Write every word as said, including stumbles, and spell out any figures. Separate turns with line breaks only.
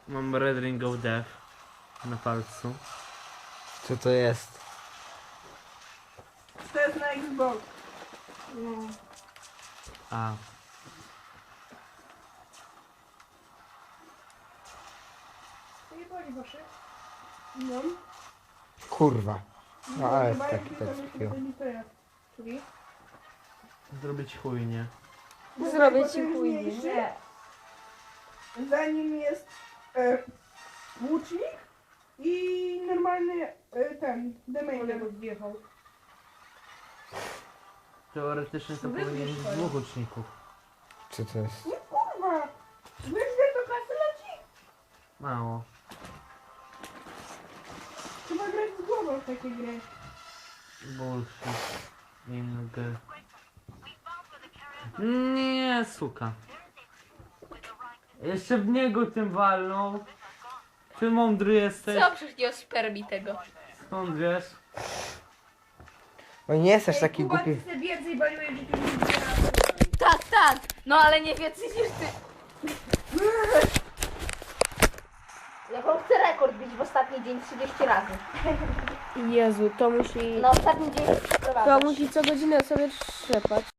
Mam Red Ring of Death na palcu.
Co to jest?
To jest na Xbox.
No.
A.
To nie boli wasze?
No.
Kurwa. No ale
chyba
taki
jak
tak
to
takiego.
to jest.
Czyli?
Zrobić chujnie.
Zrobię
Bo
ci
ten
później.
mniejszy,
Nie.
Za nim jest e, łucznik i normalny e, ten,
Ale
demainer.
go zjechał.
Teoretycznie to
Wybierz
powinien być
swoje.
dwóch uczników.
Co to jest?
Nie kurwa! Wyżej do kasy leci!
Mało.
Trzeba grać z głową w takie gry.
Bullshit. Inny gry. Nie, suka. Jeszcze w niego tym walnął. Ty mądry jesteś.
Co przecież nie ospermi tego?
Skąd wiesz?
O nie jesteś taki
Kuba,
głupi.
ty sobie więcej baliłeś, że ty nie zbierasz.
Tak, tak. No ale nie więcej niż ty. Ja wam chcę rekord bić w ostatni dzień trzydzieści razy.
Jezu, to musi...
Na ostatni dzień
To
przeprowadzać.
musi co godzinę sobie trzepać.